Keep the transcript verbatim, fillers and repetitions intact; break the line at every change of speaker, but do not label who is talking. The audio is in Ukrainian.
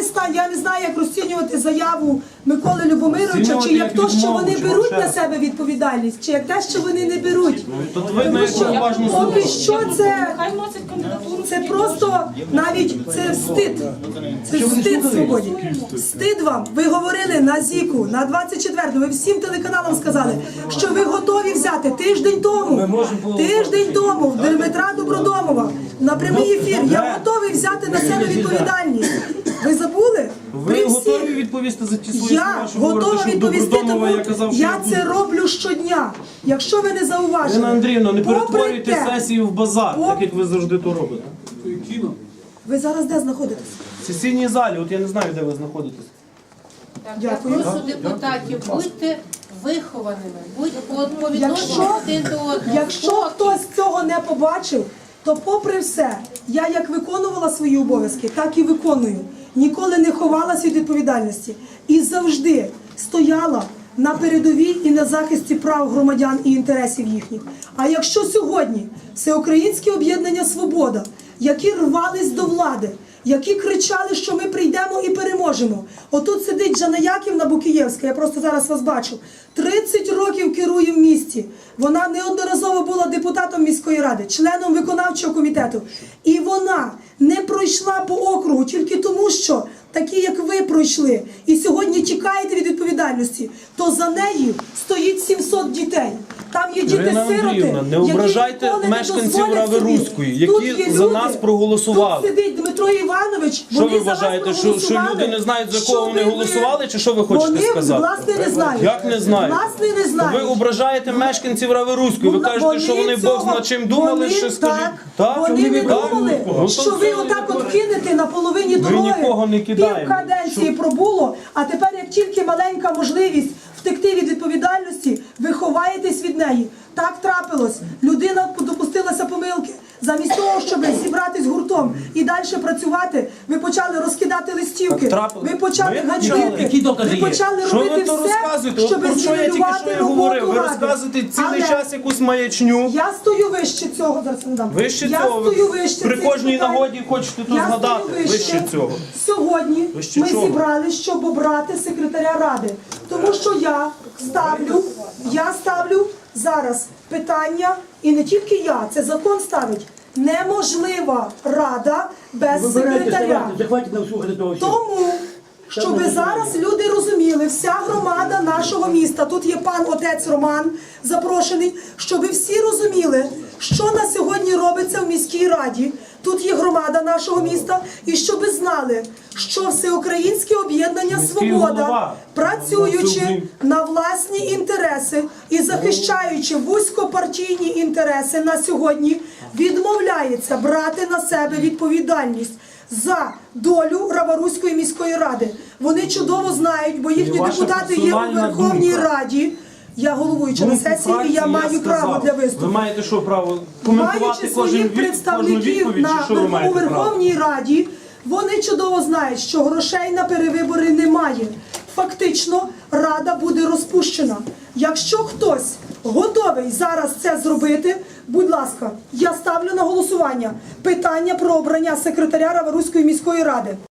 не знаю, я не знаю, як розцінювати заяву Миколи Любомировича, чи як то, що вони беруть на себе відповідальність, чи як те, що вони не беруть. Тому що поки що це, це просто навіть це встид. Це встид свободі. Встид вам. Ви говорили на ЗІКу, на двадцять четвертому, ви всім телеканалам сказали, що ви готові взяти тиждень тому, тиждень тому в Дмитра Добродомова на прямий ефір. Я готовий взяти на себе відповідальність. Ви забули?
Ви готові відповісти за ті свої
Я
слова, що
готова
говорите, що
відповісти,
Добродомова,
тому
я казав, що
я це роблю щодня. Якщо ви не зауважили,
Ірина Андріївна, не
попри
перетворюйте
те-
сесію в базар,
Поп-
так як ви завжди то робите.
Ви зараз де знаходитесь?
В сесійній залі, от я не знаю, де ви знаходитесь.
Дякую.
Я прошу депутатів, будьте вихованими, будьте по по відношенню
Якщо,
один до одного.
якщо хтось цього не побачив, то попри все, я як виконувала свої обов'язки, так і виконую. Ніколи не ховалася від відповідальності. І завжди стояла на передовій і на захисті прав громадян і інтересів їхніх. А якщо сьогодні Всеукраїнське об'єднання «Свобода», які рвались до влади, які кричали, що ми прийдемо і переможемо. Отут сидить Жанна Яківна Букієвська, я просто зараз вас бачу. тридцять років керує в місті. Вона неодноразово була депутатом міської ради, членом виконавчого комітету. І вона не пройшла по округу тільки тому, що такі, як ви, пройшли, і сьогодні тікаєте від відповідальності, то за нею стоїть сімсот дітей. Там є
Ірина
діти-сироти,
Андріївна, не
які
ображайте
ніколи не
мешканців
дозволять собі.
Рави-Руської,
Тут
які
є
за
люди,
нас проголосували.
Тут сидить Дмитро Іванович,
Що
вони
ви
за вас
вважаєте, що, що
проголосували,
люди не знають, за кого вони
щоби ви-
голосували, чи що ви хочете
вони,
сказати?
власне, не знають.
Як не знають?
Власне, не знають.
Ви ображаєте мешканців Рави-Руської, ви
Вона-
кажете, що вони Бог
цього-
зна чим думали,
вони,
що скажіть.
Так, вони не
Так?
думали,
Ну, то
що ви
все.
отак от кинете на половині дороги.
нікого не кидаємо.
Пів каденції пробуло, а тепер як тільки маленька можливість втекти від відповідальності, ви ховаєтесь від неї. Так трапилось. Людина допустилася помилки. Замість того, щоб зібратись гуртом і далі працювати, ви почали розкидати листівки,
Так трапилось.
ви почали
Ви почали.
ганьбити,
Які докази
ви
є?
почали
Що ви
робити
то
все,
розказуєте? От
щоб
про що я тільки що
зруйнувати
я говорив?
роботу
Ви
ради.
розказуєте цілий
Але
час якусь маячню.
я стою вище цього, зараз не дам.
Вище
я
цього.
стою вище
При
цих
кожній
питань.
нагоді хочете тут
Я
згадати.
стою
Вище цього.
Сьогодні
Вище
ми
чого?
зібрались, щоб обрати секретаря ради. Тому що я ставлю, я ставлю зараз питання, і не тільки я, це закон ставить. Неможлива рада без секретаря.
Захватить нам слухати того всього.
Тому, щоб зараз люди розуміли, вся громада нашого міста, тут є пан отець Роман запрошений, щоб всі розуміли, що на сьогодні робиться в міській раді, тут є громада нашого міста, і щоб знали, що Всеукраїнське об'єднання
Міський
«Свобода»,
голова.
працюючи на власні інтереси і захищаючи вузькопартійні інтереси на сьогодні, відмовляється брати на себе відповідальність за долю Раворуської міської ради. Вони чудово знають, бо їхні
І ваша
депутати є у
персональна
Верховній
думка.
Раді. Я головуюча на
Думку
сесії, і
фракції
я маю
сказав.
право для
Ви
виступу.
маєте що, право коментувати
Маючи
кожен
своїх
від, кожну
представників
відповідь, чи
на
що ви
у
маєте право?
Верховній Раді, вони чудово знають, що грошей на перевибори немає. Фактично, Рада буде розпущена. Якщо хтось готовий зараз це зробити, будь ласка, я ставлю на голосування питання про обрання секретаря Раворуської міської ради.